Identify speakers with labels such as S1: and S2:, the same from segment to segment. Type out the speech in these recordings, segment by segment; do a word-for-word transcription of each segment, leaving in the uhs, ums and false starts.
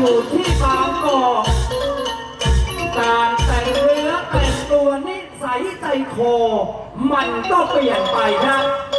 S1: อยู่ที่บางกอกการแต่งเนื้อแต่งตัวนิสัยใจคอมันก็เปลี่ยนไปครับ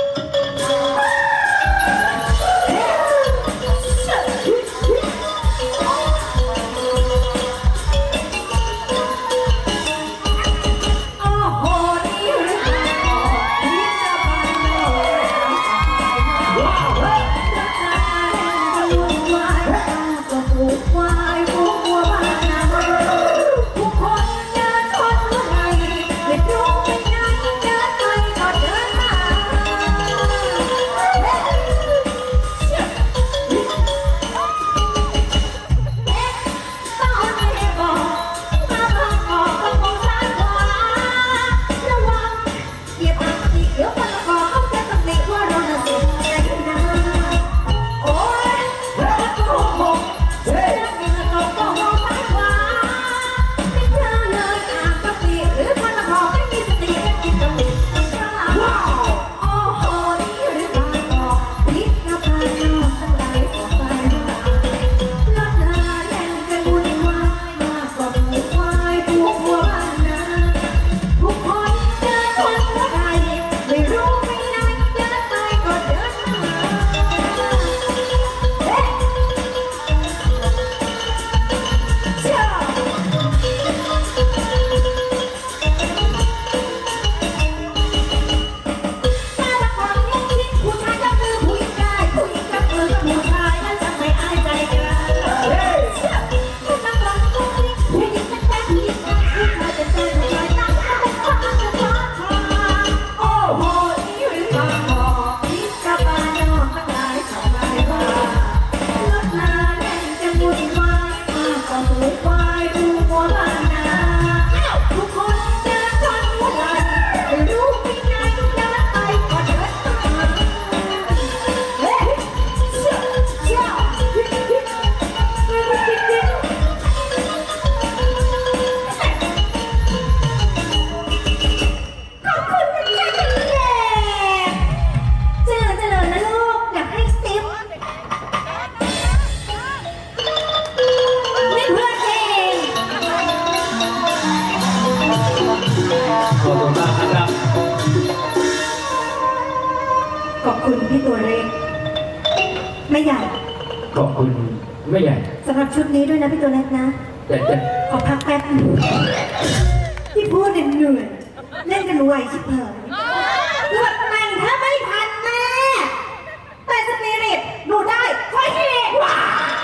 S2: ขอบคุณพี่ตัวเล็กไม่ใหญ่
S1: ขอบคุณไม่ใหญ่
S2: สำหรับชุดนี้ด้วยนะพี่ตัวเล็กนะ
S1: แต่แต่
S2: ขอพักแป๊บนึงที่พูดเหนื่อยเล่นกันไวชิบหายเลือดมันถ้าไม่ทันแม่แต่สปิริตดูได้ค่อยเห็นว้า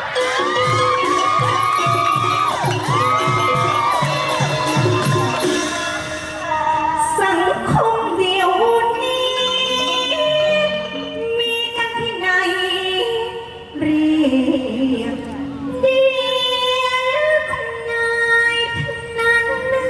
S2: สังคมเดียวนี้มีกันที่ไหนเรียกเดียวคุณนายทั้งนั้น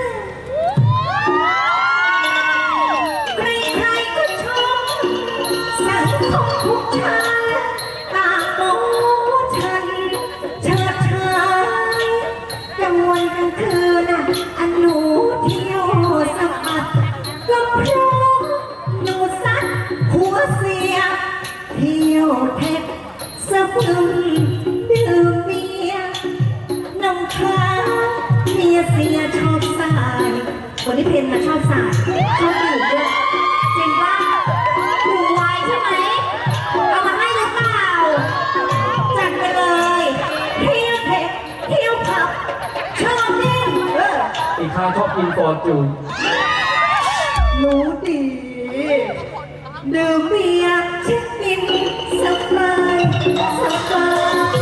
S2: ใครๆก็ชมสังคมทุกชาติต่างมองว่าฉันเชิดชายกลางวันกลางคืนน่ะอันหนูเที่ยวสะบัดก็เพราะหนูซัดหัวเสียเที่ยวเท็จสะพึงดื่มเบียร์น้ำค้างเมียเสียชอบสายคนที่เพลงมาชอบสายชอบดื่มด้วยจริงว่าถูกไวใช่ไหมเอามาให้หรือเปล่าจัดไปเลยเที่ยวเท็จเที่ยวผับชอบเล่นเออ
S1: อีกครั้งชอบกินฟอร์จูน
S2: รู้ดีดื่มเบียร์เช็คบินสบายสบาย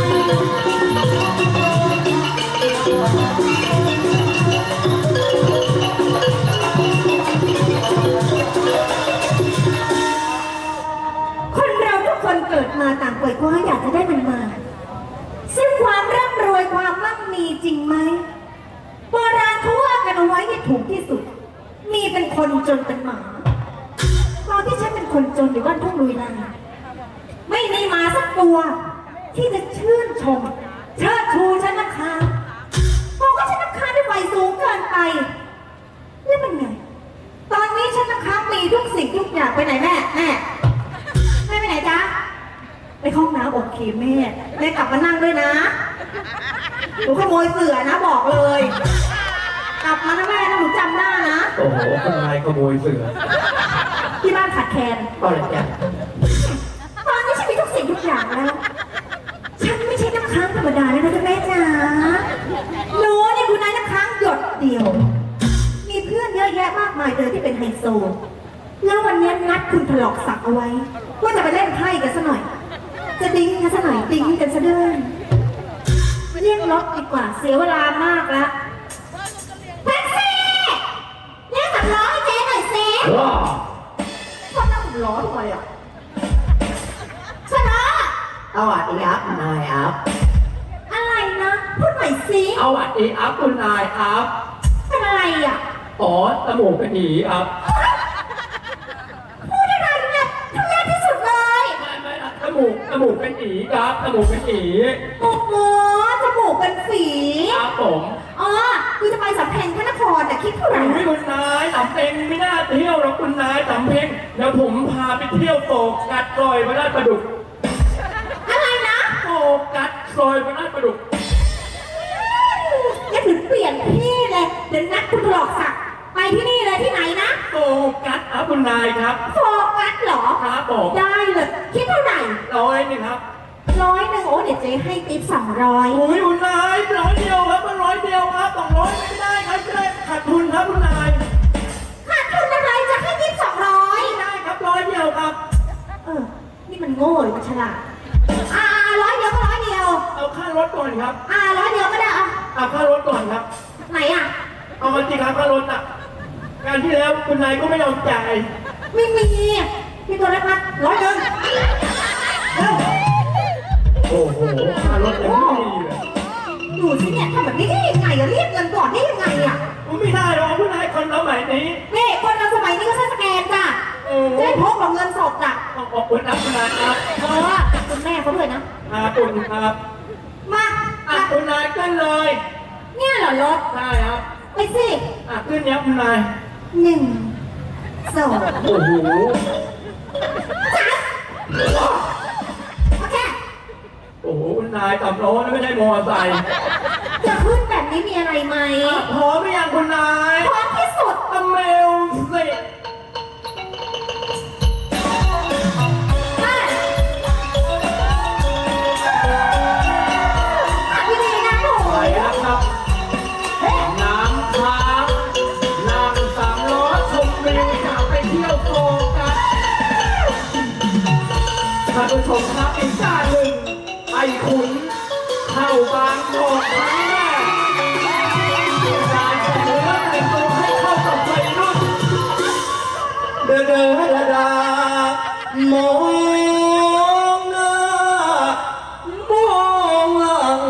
S2: คนเราทุกคนเกิดมาต่างป่วยคว้าอยากจะได้มันมาซึ่งความร่ำรวยความมั่งมีจริงไหมโบราณเขาว่ากันเอาไว้ให้ถูกที่สุดมีเป็นคนจนเป็นหมาตอนที่ฉันเป็นคนจนอยู่บ้านทุ่งลุยลายไม่มีหมาสักตัวที่จะชื่นชมเชิดชูฉันนะคะเพราะว่าฉันนะคะได้ไฟสูงเกินไปนี่เป็นไงตอนนี้ฉันนะคะมีทุกสิ่งทุกอย่างไปไหนแม่แม่แม่ไปไหนจ๊ะไปห้องน้ำโอเคแม่แม่กลับมานั่งด้วยนะหนูขโมยเสือนะบอกเลย กลับมานะแม่นะหนูจำหน้านะ
S1: โอ้โหคุณนายขโมยเสือ
S2: ที่บ้านขาดแคลน
S1: ก็เลยจ้ะ
S2: ตอนนี้ฉันมีทุกสิ่งทุกอย่างแล้ว ฉันไม่ใช่น้ำค้างธรรมดาแล้วนะจ๊ะแม่จ๋าหนูเนี่ยคุณนายน้ำค้างหยดเดียว มีเพื่อนเยอะแยะมากมายเลยที่เป็นไฮโซ แล้ววันนี้นัดคุณถลอกศักดิ์เอาไว้ ว่าจะไปเล่นไพ่กันซะหน่อย จะดิ้งกันซะหน่อยดิ้งกันซะด้วยเรียกรถดีกว่าเสียเวลามากแล้วแท็กซี่เรียกสำล้อให้เจ๊หน่อยสิ
S1: ว้า
S2: คนนั่งล้อทำไมอ่ะชนะ
S1: เอาอัดอีอัพนายอัพ
S2: อะไรนะพูดใหม่สิ
S1: เอาอัดอีอัพคุณนายอัพ
S2: เป็นอะไรอ่ะ
S1: อ๋อจมูกเป็นหนีอัพ
S2: พูดอะไรเนี่ยทุเรศที่สุดเลย
S1: ไม่ไม่นะจมูกจมูกเป็นหนีครับจมูกเป็นหนี
S2: โอ้โหจมูกเป็นฝี
S1: ครับผม
S2: อ๋อคือจะไปสำเพ็งพระนครแต่คิดเท่าไหร่
S1: ไม่คุณนายสำเพ็งไม่น่าเที่ยวหรอกคุณนายสำเพ็งเดี๋ยวผมพาไปเที่ยวโตกัดซอยพระราชประดุก
S2: อะไรนะ
S1: โตกัดซอยพระราชประดุก
S2: งั้นถึงเปลี่ยนที่เลยเดี๋ยวนัดคุณหลอกศักดิ์ไปที่นี่เลยที่ไหนนะ
S1: โตกัดครับคุณนายครับ
S2: โฟกัสเหรอ
S1: ครับผม
S2: ได้เลยคิดเท่าไหร่
S1: ร้อยหนึงครับ
S2: ร้อยหนึ่งโอ้เดี๋ยวเจ๊ให้ติ๊บสองร้อย
S1: โอ้ยคุณนายร้อยเดียวครับมันร้อยเดียวครับสองร้อยไม่ได้ครับจะได้ขาดทุนครับคุณนาย
S2: ขาดทุนอะไรจะให้ติ๊บสองร้อย
S1: ไม่ได้ครับร้อยเดียวครับ
S2: เออ นี่มันโง่หรือมันฉลาด อ่าร้อยเดียวก็ร้อยเดียว
S1: เอาค่ารถก่อนครับ
S2: อ่าร้อยเดียวก็ได้เอา
S1: เอาค่ารถก่อนครับ
S2: ไหนอ่ะ
S1: เอามาจริงครับค่ารถอ่ะงานที่แล้วคุณนายก็ไม่ยอมจ่าย
S2: ไม่มีมีตัวเล็กมัดร้อยหนึ่งเร็ว
S1: โอ้โหค่ารถยังไม่มีเลย
S2: ดูสิเนี่ยทำแบบนี้ได้ยังไงอะเรียกเงินก่อนได้ยังไงอะ
S1: มันไม่ได้หรอกคุณนายคนสมัยนี้
S2: นี่คนเราสมัยนี้ก็ใช้สแกนจ้ะ
S1: โอ้
S2: จะได้พกกับเงินสดจ้ะ
S1: ขอบคุณนะคุณนายครับ
S2: เพราะว่าคุณแม่เขาด้วยนะ
S1: อาคุณครับ
S2: มา
S1: อ่ะคุณนายขึ้นเลย
S2: เนี่ยเหรอรถ
S1: ใช่ครับ
S2: ไปสิ
S1: อ่ะขึ้นเนี้ยคุณนาย
S2: หนึ่งสอง
S1: โอ้โห
S2: โอเค
S1: โอ้โหคุณนายขับรถไม่ได้มอเตอร์ไซค์
S2: จะขึ้นแบบนี้มีอะไรไหม
S1: อ่ะพร้อมหรือยังคุณนาย
S2: พร้อมที่สุด
S1: อเมลสิ
S2: ไปพี่ดีนะหนู
S1: ไปแล้วครับ
S2: เฮ้ย
S1: น้ำค้างนั่งสามล้อชมวิวอยากไปเที่ยวโฟกัสท่านผู้ชมครับอีกด้านหนึ่งไอ้ขุนเข้าบางโอกครั้งแรกการแต่งเนื้อแต่งตัวให้เข้ากับวัยรุ่นเดินเดินระดามองหน้ามองหลัง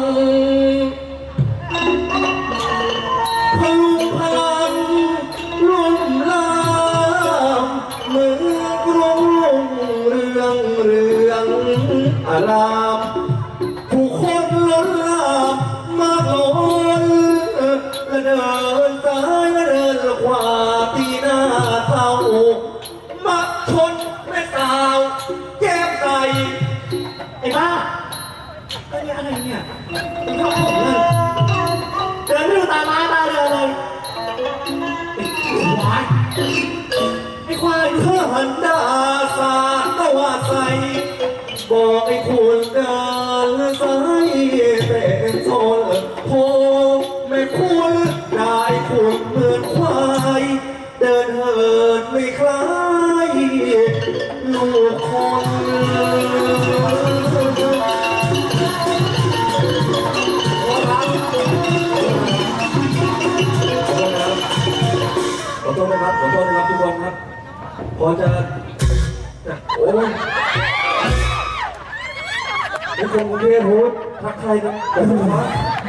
S1: พลุงพลังรุ่มลามเมืองกรุงเรืองเรืองอารามผู้คนล้นหลามมากล้นและเดินซ้ายและเดินขวาตีหน้าเท่ามักชนแม่สาวแก้มใสไอ้บ้าไอ้เนี่ยอะไรเนี่ยไอ้ชอบผมเลยเดินไม่ดูตามาตาเรือเลยไอ้ควายไอ้ควายเธอหันดาสาดตะว่าใสบอกไอ้คุณเดินสายเป็นโซนโพไม่คุณได้คุณเหมือนควายเดินเหินไม่คล้ายลูกคนขอโทษนะครับขอโทษนะครับทุกคนครับพอจะจะโอ้ยไอ้คนกรุงเทพพูดทักใครกันผมว่า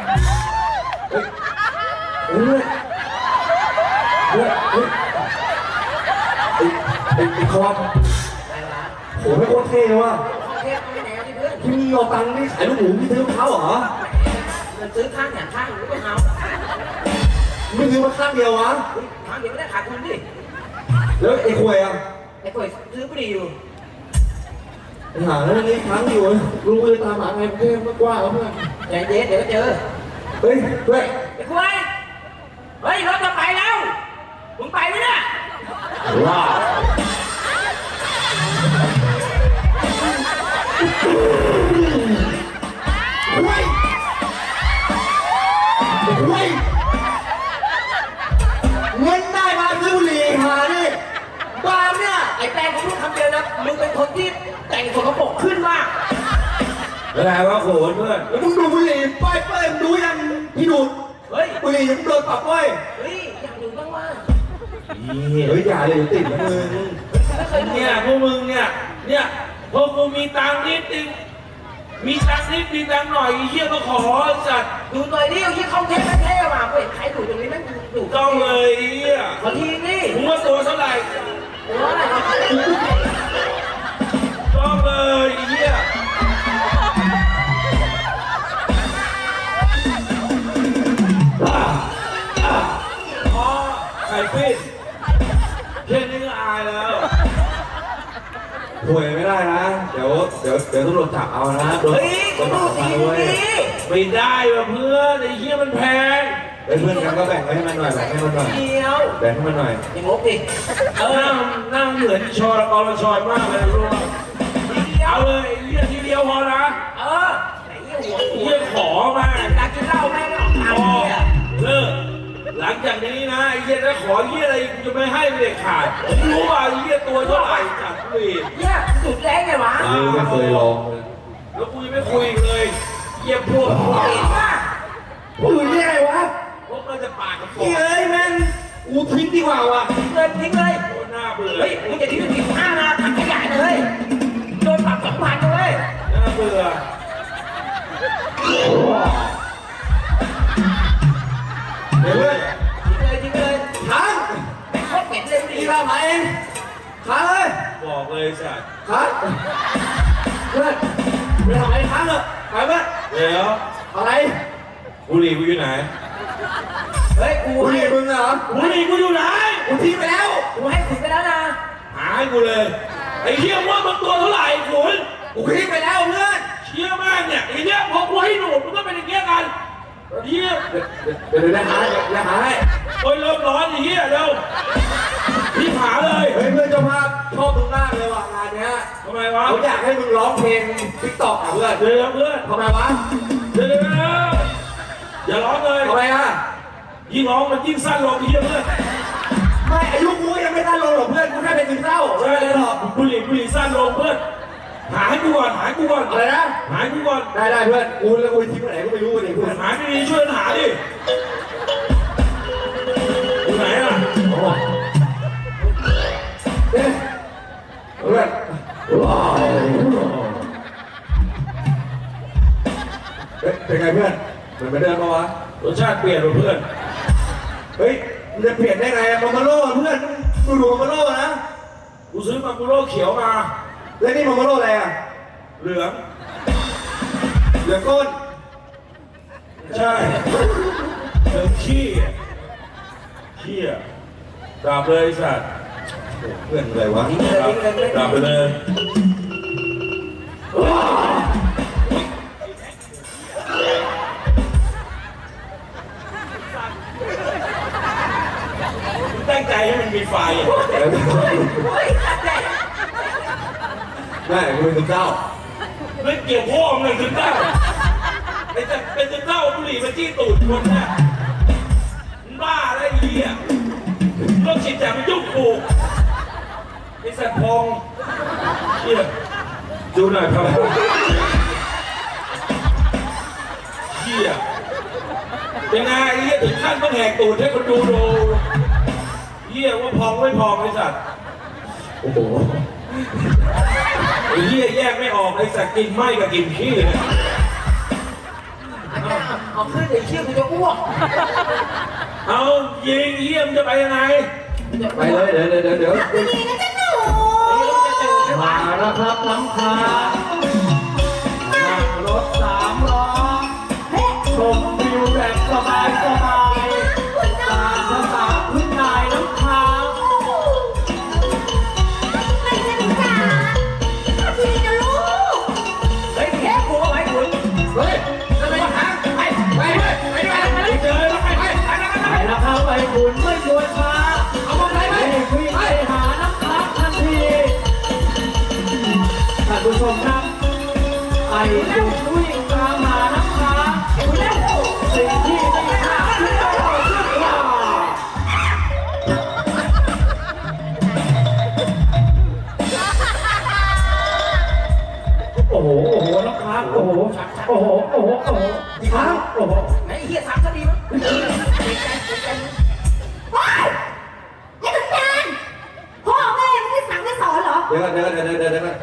S1: เฮ้ยเฮ้ยเฮ้ยไอ้ไอ้ไอ้คอมโหไม่โคตรเท่ว่ะที่มีเอาตังค์นี่ขายลูกหมูมีซื้อมะพร้าวเหรอ
S3: มันซื้อข้างอย่างข้างหรือไม่เอา
S1: ไม่ซื้อมาข้างเดียววะ
S3: ข้างเดียวไม่ได้ขาดทุนดิ
S1: แล้วไอ้ควยอ่ะ
S3: ไอ้คนซื้อไม่ดีอยู่
S1: หาแล้วนี่ค้างอยู่รู้เลยตามหาไงเพื่อนมากกว่าเพื่อน
S3: ใจเย็นเดี๋ยวเจอ
S1: เฮ้ยเฮ้ย
S3: ไอ้คุยเฮ้ยรถจะไปแล้วมึงไปไหมเนี่ย
S1: ว้าวเฮ้ยเฮ้ยเงินได้มาซื้อบุหรี่หาดิบ้าเนี่ย
S3: ไอ้แตงผมรู้คำเดียวนะมึงเป็นคนที่แต่งสกปรกขึ้นมาก
S1: อะไรวะโขนเพื่อนแล้วมึงดูบุหรี่ป้ายเปิ้ลดูยังพี่ดูด
S3: เฮ้ย
S1: บุหรี่ยังโดนปรับไว้
S3: เฮ้ยอยากดูบ้างว่า
S1: เฮ้ยอย่าเลยติดนะมึง
S3: ไม่เคยดู
S4: เนี่ยพวกมึงเนี่ย เนี่ยพวกกูมีตังค์นิดนึงมีตังค์นิดมีตังค์หน่อยไอ้เหี้ยก็ขอจัด
S3: ดูหน่อยดิเอาที่เข้าเทปเท่ๆว่ะเห็นใครดูตรงนี้แม่งดู
S4: ต้องเลยไอ้เหี้ย
S3: ขอทีนี่
S4: มึงว่าตัวเท่าไหร่
S3: โอ้ย
S4: ต้องเลยไอ้เหี้ยอ่ะอ่ะอ๋อไข่ปิ้งแค่นี้ก็อายแล้ว
S1: ถวยไม่ได้นะ เดี๋ยวเดี๋ยวเดี๋ยวตำรวจจับเอานะโดน
S3: เฮ้ย
S1: โด
S3: กู
S1: น
S3: ดู
S1: จับ
S3: ที
S1: มาด้วย
S3: นี่
S4: ไม่ได้ว่ะเพื่อนไอ้เหี้ยมันแพง
S1: เฮ้ยเพื่อนกันก็แบ่งไว้ให้มันหน่อยแบ่งให้มันหน่อย
S3: เดียว
S1: แบ่งให้มันหน่อย
S3: อย่างงบดิ
S4: เออนั่งนั่งเหมือนชอรกรชอยมากเลยรู้ป่ะ
S3: ทีเดียว
S4: เอาเลยไอ้เหี้ยทีเดียวพอนะ
S3: เออไหนหัว
S4: ไอ้
S3: หัว
S4: เหี้ยขอมา
S3: อยากกินเหล้าแม่งเอา
S4: พ
S3: เอา
S4: อ
S3: เนี่ย
S4: เลิกหลังจากนี้นะไอ้เหี้ยถ้าขอเหี้ยอะไรกูจะไม่ให้เด็ดขาดรู้ว่าไอ้เหี้ยตัวเท่าไหร่จัดคุย
S3: เนี่ยสุดแรงไงวะ
S1: เออไม่เคยลองเลย
S4: แล้วกูยังไม่คุยอีกเลยเหี้ยพวกพวก
S3: เห็นป่ะ
S1: พูดยังไงวะ
S4: พวกมันจะปากกับฟอ
S1: เฮ้ยแม่งกูทิ้งดีกว่าว่ะ
S3: ทิ้งเลยทิ้งเลย
S4: โคตรน่าเบื่อ
S3: เฮ้ยมึงจะทิ้งทิ้งห้านาทำขยะเลยโดนปรับสองพันเลย
S4: น่าเบื่อ
S1: เดี๋ยวเพื่อน
S3: ทิ้งเลยทิ้งเลย
S1: ค้าง
S3: ไม่โคตรเหม็นเลย
S1: นี่
S3: ดิ
S1: เรามาเองค้างเลย
S4: บอกเลยสัตว์
S1: ค้างเพื่อนไปทำอะไรค้างเหรอไปเพื่อน
S4: เดี๋ยว
S1: อะไร
S4: บุหรี่กูอยู่ไหน
S3: เฮ้ยกู
S1: บุห
S3: ให้
S1: รี่มึงเหรอ
S4: บุหรี่กูอยู่ไหน
S1: กูทิ้งไปแล้ว
S3: กูให้คุณไปแล้วนะ
S4: หาให้กูเลยไอ้เหี้ยว่ามันตัวเท่าไหร่ขุน
S1: กูทิ้งไปแล้วเพื่อน
S4: เชี่ยมากเนี่ยไอ้เนี่ยพอกูให้หนูมันก็เป็นอย่างเงี้ยกันเหี้ย
S1: เดี๋ยวเดี๋ยวเดี๋ยวหาเดี๋ยวหาให้
S4: โอ้ยเริ่มร้อนไอ้เหี้ยเร็วรีบหาเลย
S1: เฮ้ยเพื่อนเจ้าภาพชอบมึงมากเลยว่ะงานเนี้ย
S4: ทำไมวะ
S1: เขาอยากให้มึงร้องเพลงทิกตอกอ่ะเพื่อน
S4: เดี๋ยวเพื่อน
S1: ทำไมวะ
S4: เดี๋ยวเดี๋ยวอย่าร้องเลย
S1: ทำไมอ่ะ
S4: ยิ่งร้องมันยิ่งสั้นลงไอ้เหี้ยเพื่อน
S1: ไม่อายุกูยังไม่ตั้งลงหรอกเพื่อนกูแค่เป็นซึมเศร้า
S4: ใช่
S1: ไม่ได้หรอก
S4: บุหรี่บุหรี่สั้นลงเพื่อนหาให้กูก่อนหาให้กูก่อน
S1: อะไรนะ
S4: หาให้กูก่อน
S1: ได้ได้เพื่อนกูแล้วกูทิ้งไปไหนก็ไม่รู้เลยเพื่อน
S4: หาดีๆช่วยกันหาดิอยู่ไหนอ่ะ
S1: โอ้โหเอ๊ะเพื่อนว้าวเฮ้ยเป็นไงเพื่อนเหมือนเหมือนเดิมปะวะ
S4: รสชาติเปลี่ยนว่ะเพื่อน
S1: เฮ้ยมันจะเปลี่ยนได้ไงมามาโล่เพื่อนดูดูมาโล่นะ
S4: กูซื้อมากูโร่เขียวมา
S1: แล้วนี่มามาโล่อะไรอ่ะ
S4: เหลือง
S1: เหลือก้น
S4: ใช่เหลืองขี้อะขี้อะดาบเลยไอ้สัตว์
S1: เพื่อนอะไรวะ
S3: ทิ้งเลยทิ้งเลยไม่
S4: ดาบไปเลยตั้งใจให้มันมีไฟอะ
S3: เฮ้ยตัดเลย
S1: ได้กูเป็นซึมเศร้า
S4: ไม่เกี่ยวพ่อมึงเลยถึงได้ไอ้จะเป็นจะเต้าบุหรี่มาจี้ตูดคนเนี่ยมึงบ้าอะไรไอ้เหี้ยโรคจิตแต่มันยุ่งกูไอ้สัตว์พองเหี้ยดูหน่อยครับเหี้ยเป็นไงไอ้เหี้ยถึงขั้นต้องแหกตูดให้คนดูดูเหี้ยว่าพองไม่พองไอ้สัตว์
S1: โอ้โห
S4: ไอ้เหี้ยแยกไม่ออกไอ้สัตว์กินไหม้กับกินขี้เนี่ย
S3: เอาขึ้นเดี๋ยวเชี่ยกูจะอ้วก
S4: เอายิงเหี้ยมนจะไปยังไง
S1: ไปเลยเดี๋ยวเดี๋ยวเดี๋ยวเดี๋ยว
S2: ดีนะจ๊ะหนู
S1: มาแล้วครับน้ำค้างนั่งรถสามล้อ
S2: เฮ้ย
S1: ชมวิวแบบสบายสบาย
S2: คุณน้อ
S1: ตามภาษาพื้นนายน้ำค้าง
S2: ไม่ใช่หนูจ๋าทีนะลูก
S1: โอ้โหโอ้โหโอ้โหอีกครั้งโอ้โห
S3: ไหนไอ้เฮียสามคดีมั้งเกรงใจเกรงใจมึง
S2: ว้ายไอ้สันดานพ่อแม่ไม่ได้สั่งไม่สอนเหรอ
S1: เดี๋ยวก่อนเดี๋ยวก่อนเดี๋ยวก่อนเดี๋ยวก่อน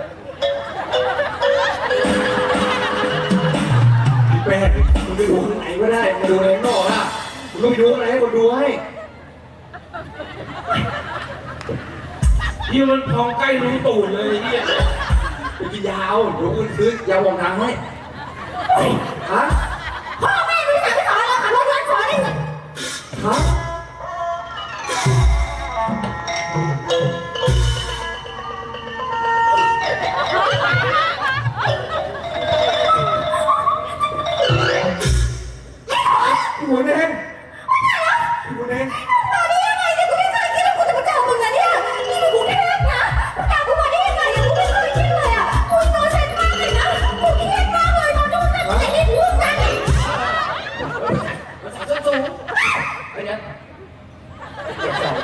S1: พี่แป้งคุณไปดูข้างไหนก็ได้มาดูอะไรข้างนอกอ่ะคุณต้องไปดูอะไรให้คนดูให้
S4: ที่มันพองใกล้รูตูดเลยไอ้เนี่ย
S1: ไปกินยาวเดี๋ยวคุณซื้อยาววงทางให้ฮะ
S2: พ่อแม่ไม่ได้สั่งไม่สอนเหรอขับรถย้อนสอนได้ไง
S1: ฮะพี่หมุนเองพี่หมุนเอง
S2: ตอนนี้ยังไงเนี่ยกูไม่เคยคิดว่ากูจะมาเจอมึงอะเนี่ยนี่มันกรุงเทพนะกูตามกูมาได้ยังไงเนี่ยกูไม่เคยคิดเลยอะกูโดนเซ็นมากเลยนะกูเครียดมากเลยตอนนู้นนะแต่นี่พูดกัน
S3: มันใส่ส้นสูงไอ้เนี่ยเจ็บสอง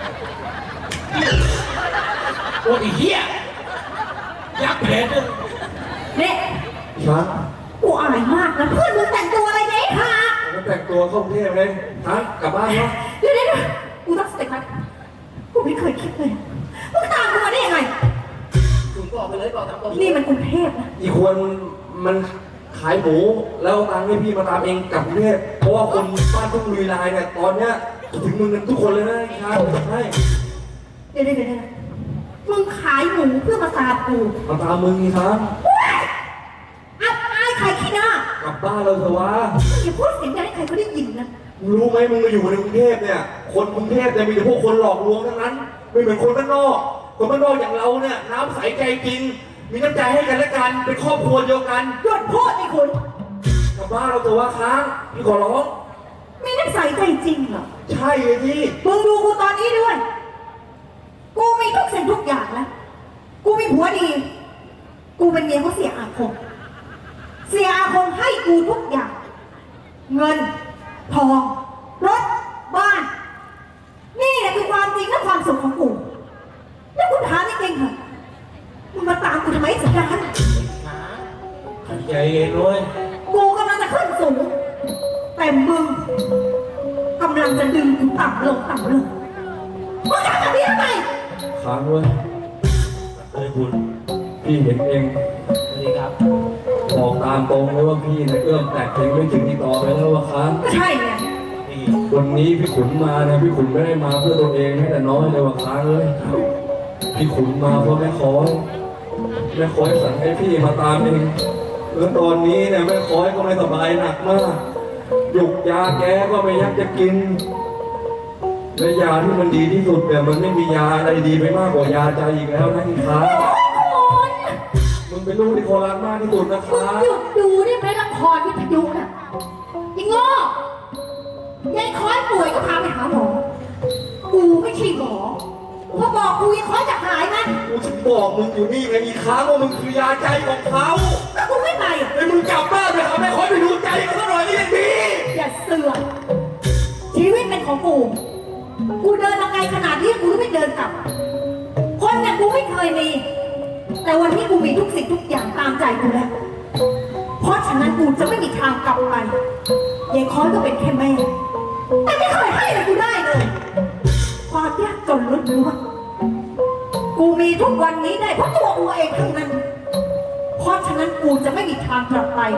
S3: โอ้ยไอ้เฮีย
S4: ยักษ์แผลด้วย
S2: เนี่ย
S1: ครับ
S2: กูอายมากนะเพื่อนมึงแต่งตัวอะไรเนี่ยไอ้ห่า
S1: แล้วแต่งตัวเข้ากรุงเทพเลยฮะกลับบ้านเนาะ
S2: เดี๋ยวเดี๋ยวเดี๋ยวกูต้องสเต็ปมันกูไม่เคยคิดเลยมึงตามกูมาได้ยังไง
S3: คุณบอกไปเลยบอกตามตรง
S2: นี่มันกรุงเทพนะ
S1: อีกคนมันขายหมูแล้วเอาตังค์ให้พี่มาตามเองกลับกรุงเทพเพราะว่าคนบ้านทุ่งลุยลายเนี่ยตอนเนี้ยถึงมึงกันทุกคนเลยนะอีกครับให้
S2: เดี๋ยวเดี๋ยวเดี๋ยวเดี๋ยวมึงขายหมูเพื่อมาตามกู
S1: มาตามมึงอีกครับ
S2: อับอายใครขี้หน้าก
S1: ลับบ้านเราเถอะวะ
S2: อย่าพูดเสียงดังให้ใครเขาได้ยินนะ
S1: มึงรู้ไหมมึงมาอยู่ในกรุงเทพเนี่ยคนกรุงเทพจะมีแต่พวกคนหลอกลวงทั้งนั้นไม่เหมือนคนบ้านนอกคนบ้านนอกอย่างเราเนี่ยน้ำใสใจจริงมีน้ำใจให้กันและกันเป็นครอบครัวเดียวกัน
S2: หยุดพูดไอ้คุณ
S1: กลับบ้านเราเถอะวะค้างพี่ขอร้อง
S2: ไม่ได้ใส่ใจจริงเหรอ
S1: ใช่เลยพี่
S2: มึงดูกูตอนนี้ด้วย กูมีทุกสิ่งทุกอย่างแล้ว กูมีผัวดี กูเป็นเมียเขาเสียอาคม เสียอาคมให้กูทุกอย่าง เงิน ทอง รถ บ้าน นี่แหละคือความจริงและความสุขของกู แล้วกูถามจริงๆเถอะมึงมาตามกูทำไมสัญญาณ
S4: ใจเย็นด้วย
S2: กูกำลังจะขึ้นสูง แต่มึงกำลังจะดึงกูต่ำลงต่ำลงมึงทำแบบนี้ทำไม
S1: ค้างด้วย
S4: เอ้ยคุณ
S1: พี่เห็นเอง
S3: สวัสดีครับ
S1: บอกตามตรงเลยว่าพี่เนี่ยเอื้อมแตกเพลงไม่ถึงที่ต่อไปแล้วว่าค้าง
S2: ก็ใช่ไง
S3: นี่
S1: วันนี้พี่ขุนมาเนี่ยพี่ขุนไม่ได้มาเพื่อตัวเองแม้แต่น้อยเลยว่าค้างเลยพี่ขุนมาเพราะแม่คอยแม่คอยสั่งให้พี่มาตามเองแล้วตอนนี้เนี่ยแม่คอยก็ไม่สบายหนักมากหยุกยาแกก็ไม่ยักจะกินและยาที่มันดีที่สุดเนี่ยมันไม่มียาอะไรดีไปมากกว่ายาใจอีกแล้วนะอีค้างมึงเป็นลูกที่โคราชมากที่สุดนะ
S2: มึง
S1: ค้าง
S2: หยุดดูได้ไหมละครวิทยุน่ะยิงโง่ยายคอยป่วยก็พาไปหาหมอ กูไม่ใช่หมอพอบอกกูยังคอยจะหายไหม
S1: กูถึงบอกมึงอยู่นี่ไงอีค้างว่ามึงคือยาใจของเขา
S2: แต่กูไม่ไปอ่ะ
S1: ไอ้มึงกลับบ้านไปหาแม่คอยไปดูใจเขาสักหน่อยนี่ยังดี
S2: อย่าเสือกชีวิตเป็นของกู กูเดินมาไกลขนาดนี้กูไม่เดินกลับ คนอย่างกูไม่เคยมี แต่วันนี้กูมีทุกสิ่งทุกอย่างตามใจกูแล้ว เพราะฉะนั้นกูจะไม่มีทางกลับไปยายคอยก็เป็นแค่แม่ แต่ไม่เคยให้อะไรกูได้เลย ความยากจนล้วนๆกูมีทุกวันนี้ได้เพราะตัวกูเองทั้งนั้น เพราะฉะนั้นกูจะไม่มีทางกลับไป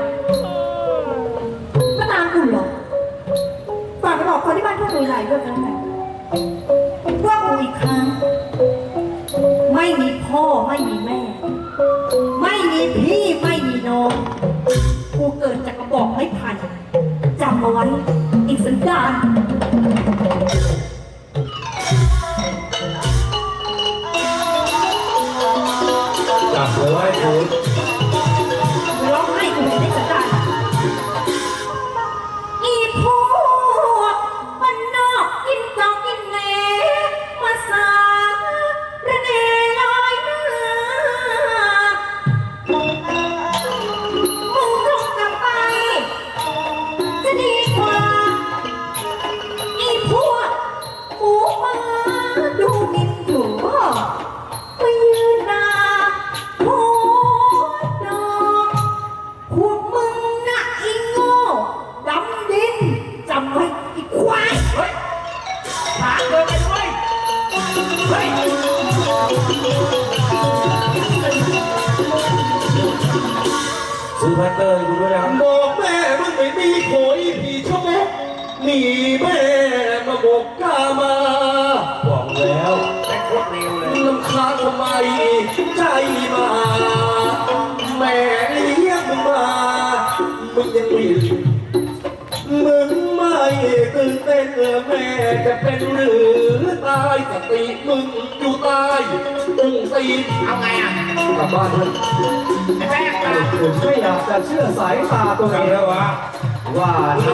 S2: ก็ตามกูเหรอฝากไปบอกคนที่บ้านทั่วโดยไหลด้วยกันนะว่ากูอีกครั้ง ไม่มีพ่อไม่มีแม่ ไม่มีพี่ไม่มีน้อง กูเกิดจากกระบอกไม้ไผ่จำเอาไว้อีกสันดาน
S1: จับเอาไว้คุณ
S2: ร้องไห้กูเลยได้สันดานอีพวกมันนอกกินจอกกินแหนมาสาระเนลอยหน้ามึงจงกลับไปจะดีกว่า
S1: มึงไม่ตื่นเต้นแม่จะเป็นหรือตายสติมึงอยู่ตายตึงตีน
S3: เอาไงอ่ะ
S1: กลับบ้านเถอะ
S3: ไอ้แป้งมา
S1: ผมไม่อยากจะเชื่อสายตาตัวเอ
S4: ทำ
S1: ง
S4: แล้ววะ
S1: ว่า